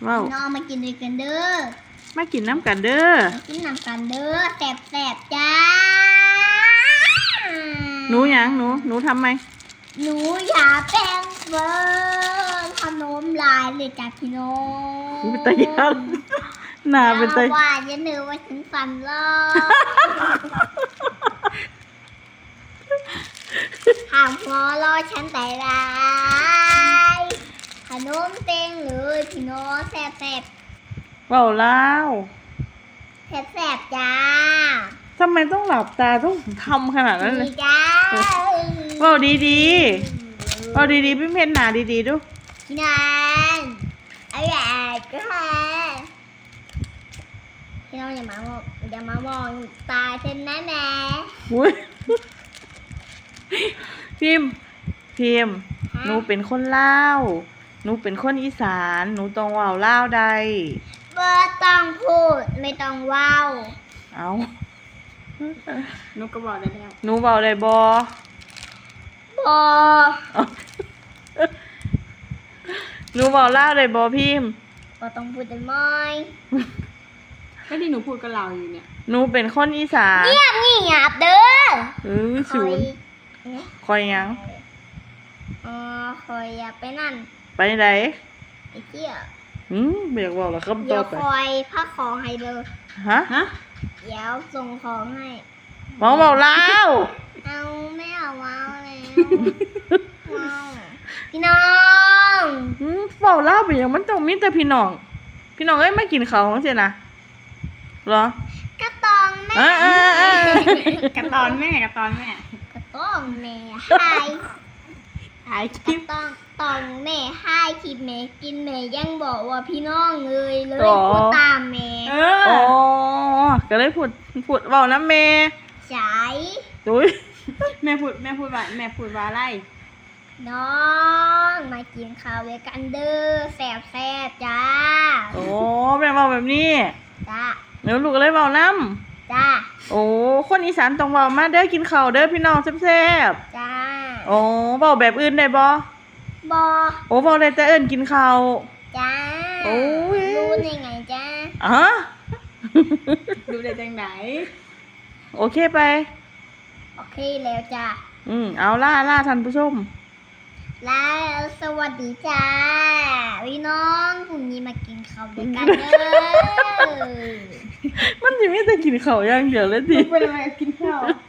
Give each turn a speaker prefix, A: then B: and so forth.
A: ว้าว
B: น้องมากินด้วยกันเด้อ
A: มากินน้ำกันเด้อ
B: มากินน้ำกันเด้อแสบจ้า
A: หนูหยังหนูทำไหม
B: หนูอยากแป้งเฟิร์นขนมลายเลยจ้าพี่น้อง
A: เป็นตายันหน้าเป็นตา
B: ว่าอย่าเนื้อว่าฉันฟันรอห้ามหัวรอฉันแต่ไรขนมเต็งเลยพี่น้องแสบ
A: ว้าวแล้ว
B: แสบจ้า
A: ทำไมต้องหลับตาต้องทำขนาดนั้นเลย
B: จ้า
A: ว้าวดีว้าวดีพี่เพชรหนาดีดู
B: พี่นานอะไรก็ค่ะพี่น้องอย่ามามองตาฉันนะแม่
A: อุ้ยพิมหนูเป็นคนลาวหนูเป็นคนอีสานหนูต้องว่าวลาวใด
B: บ่ต้องพูดไม่ต้องว้าว
A: เอา
C: หนูก็บอกได้แล้ว
A: หนูเว้าได้บ่หนูเว้าลาวได้บ่พิม
B: บ่ต้องพูดได้ไหม
C: ก็ที่หนูพูดกับเราอยู่เนี่ย
A: หนูเป็นคนอีสาน
B: เงียบเด้อ
A: ศูนย์คอยยัง
B: คอยอยากไปนั่น
A: ไปไหน
B: ไปเที่ยว
A: เบียกบอกเหรอครับ
B: เดี๋ยวคอยพักของให้เลย
A: ฮะ
B: เดี๋ยวส่งของให้
A: เบาแล้ว
B: เอาไม่เอาว้าวแล้วว้าวพี่น้อง
A: เบาแล้วไปอย่างมันต้องมีแต่พี่น้องเอ้ยไม่กินเขาใช่นะเหร
B: อกระตองแม่
C: กระตอนแม่
B: กระตองแม่ให้
C: คลิป
B: ตองแม่ให้คลิปแม่กินแม่ยังบอกว่าพี่น้องเลยพูดตามแม่
A: อ๋อก็เลยพูดเบานะแม่
B: ใช่
A: ดุย
C: แม่พูดว่าอะไร
B: น้องมากินข้าวด้วยกันเด้อแสบจ้า
A: โอ้แม่เบาแบบนี้
B: จ้า
A: เดี๋ยวลูกก็เลยเบาน้ำ
B: จ้า
A: โอ้คนอีสานต้องเบามาเด้อกินข้าวเด้อพี่น้องแซ่บ
B: จ้า
A: โอ้เบาแบบอื่นได้บ่โอ้เบาได้แต่เอิ้นกินข้าว
B: จ้า
A: โอ้ย
B: รู้ได้ไงจ้า
C: รู้ได้จังไหน
A: โอเคไป
B: โอเคแล้วจ้า
A: เอาล่าท่านผู้ชม
B: แล้วสวัสดีจ้าพี่น้องพรุ่งนี้มากินข้าวด้วยกันเด้อ
A: มันจะไม่แต่กินข้าวอย่างเดียวเลยดิ
C: เป็นอะไรกินข้าว